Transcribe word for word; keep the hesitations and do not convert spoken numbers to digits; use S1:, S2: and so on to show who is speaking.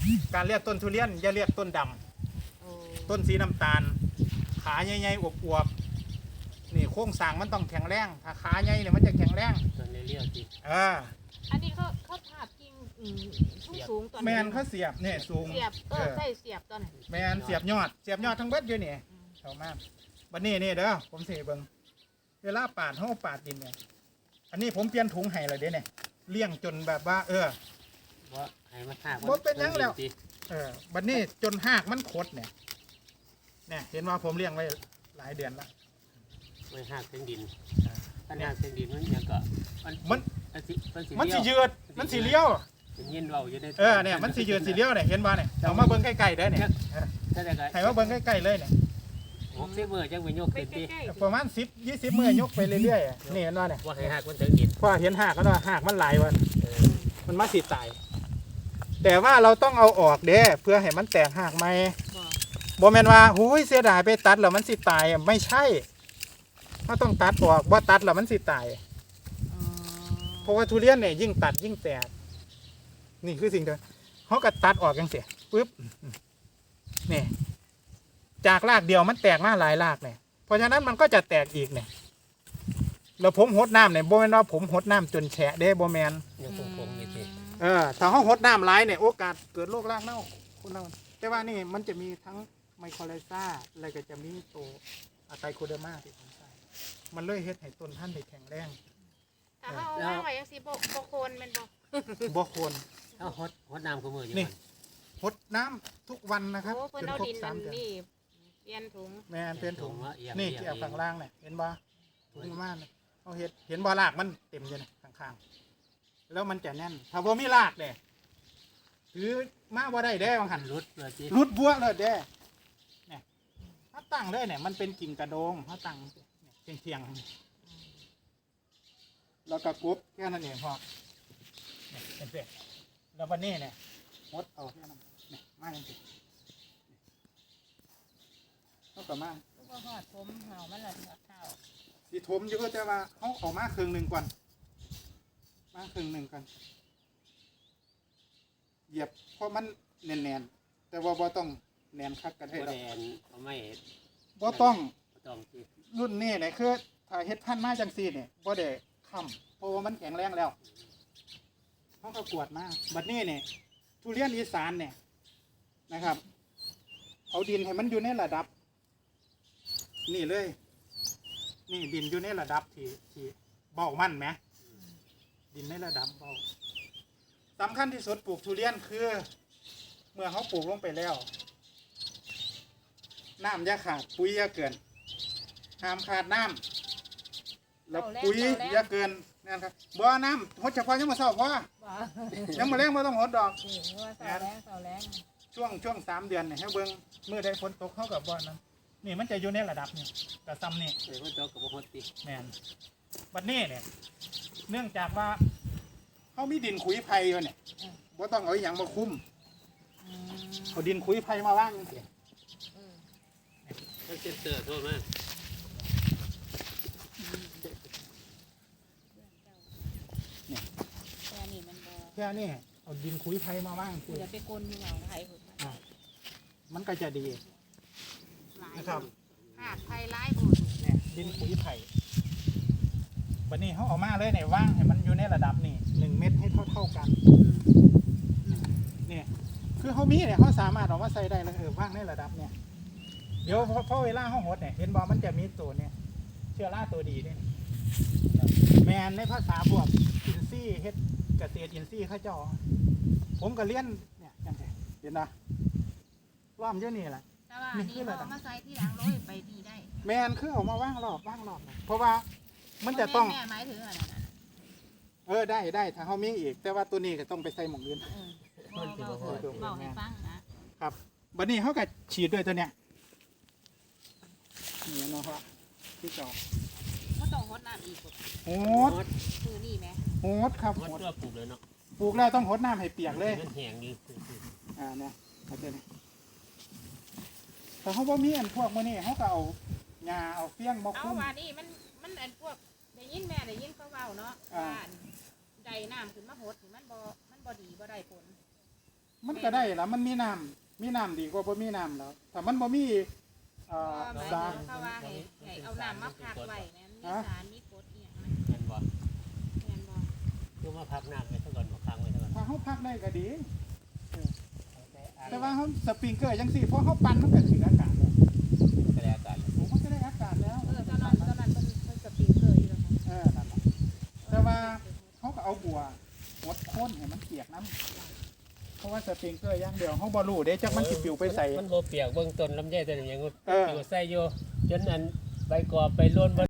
S1: การเรียกต้นทุเรียนอย่าเรียกต้นดำต้นสีน้ำตาลขาใหญ่ๆอวบๆนี่โครงสร้างมันต้องแข็งแรงถ้าขาใหญ่เนี่ยมันจะแข็งแรง
S2: ต้นเลี้ยวๆสิ
S1: เออ
S3: อันนี้เขาเขาถาบกิ่งสูงสูงตอน
S1: แมนเขาเสียบเนี่ยสูง
S3: เสียบเออใส่เสียบตอนไหน
S1: แมนเสียบยอดเสียบยอดทั้งเบิดอยู่นี่เข้ามาวันนี้นี่เด้อผมเสียเบิ่งเวลาปาดเขาปาดดินเนี่ยอันนี้ผมเปลี่ยนถุงให้เลยเด้เนี่ยเลี้ยงจนแบบว่าเออ
S2: บ่ให้มันหัก
S1: บ่เป็นยังแล้วเออบัดนี้จนหากมันคดเนี่ยเนี่ยเห็นว่าผมเลี้ยงไว้หลายเดือนละ
S2: ไว้หักเส้นดินปัญหาเส้นดินมันยังก็
S1: มัน
S2: มันสิ
S1: มันสิยืดมันสิเลี้ยว
S2: ยินเว้าอยู่ใน
S1: เออเนี่ยมันสิยืดสิเลี้ยวเนี่ยเห็นบ่เนี่ยเอามาเบิ่งใกล้ๆเด้อเนี่ยให้มาเบิ่งใกล้ๆเลยเนี่ย
S2: หกสิบมื้อจังไปยกขึ้นติ
S1: ประมาณสิบ ยี่สิบมื้อยกไปเรื่อยๆนี่เห็นบ่เนี่ย
S2: บ่ให้หักมันถึงดิน
S1: พอเห็นหากแล้วว่าหากมันหลายวันมันมาสิตายแต่ว่าเราต้องเอาออกเด้เพื่อให้มันแตกหากใหม่บ่แม่นว่าหูยเสียดายไปตัดแล้วมันสิตายไม่ใช่เราต้องตัดออกบ่ตัดแล้วมันสิตายเพราะว่าทุเรียนเนี่ยยิ่งตัดยิ่งแตกนี่คือสิ่งเดียวเขาก็ตัดออกจังซี่ปึ๊บนี่จากรากเดียวมันแตกมาหลายรากเนี่ยเพราะฉะนั้นมันก็จะแตกอีกเนี่ยแล้วผมหดน้ำเนี่ยบ่แม่นว่าผมหดน้ำจนแฉะเด้บ่แม่น
S2: ยังคงๆอยู่ติ
S1: เออถ้าเขาหดน้ำหลายเนี่ยโอกาสเกิดโรครากเน่าคนเราแต่ว่านี่มันจะมีทั้งไมโครไลซ่าอะไรก็จะมีตัวอะไตโคเดอร์มาที่ผมใส่มันเลยเฮ็ดให้ต้นพันธุ์ได้แข็งแรง
S3: ถ้าเขาเอาไว้ยังสิบ่บ่โคนแม่นบ่
S1: บ่โคน
S2: เอาฮดฮดน้ำคู่มืออยู่
S1: นี่หดน้ำทุกวันนะครับ
S3: จนครบสามเดือนนี่เปลี่ยนถุง
S1: แม่นเปลี่ยนถุงนี่เกี่ยวข้างล่างเนี่ยเห็นบ่ถุงประมาณเอาเฮ็ดเห็นบ่รากมันเต็มอยู่นะข้างๆแล้วมันจะแน่นถ้าบ่มีรากเนี่ยถือมาบ่ได้เด้บางหัน
S2: รุดเลย
S1: รุดบัวเลยเด้เนี่ยถ้าตั้งเลยเนี่ยมันเป็นกิ่งกระโดงถ้าตั้งเนี่ยเทียงๆแล้วก็กบแค่นั้นเองพอเนี่ยเป็นเสร็จแล้ววันนี้เนี่ยมดเอาแค่นั้นเนี่ยมาจริงๆเขาก็มา
S3: ก็หอดผมเห่ามันละหอดเท้า
S1: สีถมอยู่ก็แต่ว่าเขาออกมาครึ่งหนึ่งก่อนมาครึ่งหนึ่งก่อนเหยียบเพราะมันแน่นๆแต่ว่าบ่ต้องแน่นคักกันให้เรา
S2: เอาไม่
S1: บ่ต้อง
S2: ต้อง
S1: รุ่นนี้เนี่ยคือถ้าเฮ็ดพันธุ์มาจังซี่เนี่ยบ่ได้ค้ำเพราะว่ามันแข็งแรงแล้วเขาก็กวดมาบัดนี้เนี่ยทุเรียนอีสานเนี่ยนะครับเอาดินให้มันอยู่ในระดับนี่เลยนี่ดินอยู่ในระดับที่ที่เบามันไหมดินในระดับเบาสำคัญที่สุดปลูกทุเรียนคือเมื่อเขาปลูกลงไปแล้วน้ำอย่าขาดปุ๋ยอย่าเกินห้ามขาดน้ำแล้วปุ๋ยอย่าเกินนั่นครับบ่อน้ำหดเฉพาะยังมาเศร้าพอยังมาแรงไม่ต้องหดดอกช่วงช่วงสามเดือนเนี่ยให้เบิ้งเมื่อได้ฝนตกเข้ากับบ่อนั้นนี่มันจะอยู่ในระดับนี่กระซำนี่
S2: เดี๋ยวฝนตกกับบ่หดติ
S1: แมนบัดนี้เนี่ยเนื่องจากว่าเขามีดินขุยไผ่อยู่เนี่ยบ่ต้องเอาอย่างมาคุ้มเอาดินขุยไผ่มาว่างจริง
S2: ๆก็เซ็นเตอร์โทษมาก
S1: แค่นี้เอาดินขุยไผ่มาว่าง
S3: คืออย่าไปกลนอยู่เอาไผ่หุ่น
S1: มันก็จะดีนะครับ
S3: หากไผ่ไล่บุญ
S1: เนี่ยดินขุยไผ่วันนี้เขาเอามาเลยเนี่ยว่างให้มันอยู่ในระดับนี่หนึ่งเม็ดให้เท่าเท่ากันเนี่ยคือเขามีเนี่ยเขาสามารถเอามาใส่ได้เลยเออว่างในระดับเนี่ยเดี๋ยวพอเวลาเขาหดเนี่ยเห็นบอมันจะมีตัวเนี่ยเชื้อราตัวดีเนี่ยแมนในภาษาบวกอินซี่เฮ็ดเกษตรอินซี่ข้าเจ้าผมก็เลี้ยนเนี่ยยังไงเห็นนะล้อมเยอะนี่แหละ
S3: แต่ว่านี่เขามาใส่ที่หลังร้อยไปดีได้
S1: แมนคือออกมาว่างรอบว่างรอบเพราะว่ามันจะต้อง
S3: แม่หมายถึงอะไรนะ
S1: เออได้ได้ถ้าเขามีอีกแต่ว่าตัวนี้ก็ต้องไปใส่หมองอื่น
S3: บอกให้ฟังนะครับ
S1: บัดนี้เขาก็ฉีดด้วยตัวเนี้ยนี่เนาะครับที่จอ
S3: เขาต้องหดน้ำอีก
S1: โหด
S3: คือนี่ไหม
S1: โหดครับ
S2: โหดตัวปลูกเลยเนาะ
S1: ปลูกแล้วต้องหดน้ำให้เปียกเลย
S2: มันแห้งดี
S1: อ่าเนี่ยเขาจะแต่เขาบ่มีอันพวกมื้อนี้เขาก็เอาหญ้าเอาเฟี้ยงมาคุ้ม
S3: เอาว่านี่มันมันอันพวกได้ยินแม่ได้ยินเขาเว้าเนาะว่าใดน้ำขึ้นมาหดมันบ่มันบ่ดีบ่ได้ผล
S1: มันก็ได้ละมันมีน้ำมีน้ำดีกว่าบ่มีน้ำแล้วถ้ามันบ่มีเอ่อ
S3: ก็หมาย
S1: สา
S3: ถึ
S1: รง
S3: เขาว่าให้ให้เอาน้ำมาพักไว้แม่นมีสารมีกรดอีหยังนะ
S2: แม่นบ่
S3: แม่นบ่
S2: คือมาพักน้ำไว้ซะก่อนบ่ค้างไว้ซะก่อน
S1: ถ้าเฮาพักได้ก็ดี
S2: แต่อัน
S1: แต่ว่าเฮาสปริงเกอร์จังซี่พอเฮาปั่นมันก็ถึงอากาศแล้ว
S2: ก็ได้อาการแล้ว
S1: โอ้มันก็ได้อากาศแล้ว
S3: เออตอนนั้นตอนนั้นเพิ่นเพิ่นสปริงเกอร์อยู่แล้วค่ะ
S1: เออนั่นล่ะแต่ว่าเขาก็เอาบัวหดข้นให้มันเปียกน้ำเพราะว่าสปริงเกอร์อย่างเดียวเขาบ่รู้เด้จักมันสิปลิวไปใส่
S2: มันบ่เปียกเบื้องต้นลำไยตัวนี้ยัง
S1: เออ
S2: อยู่ใส่อยู่จนอันใบกอบไปล้น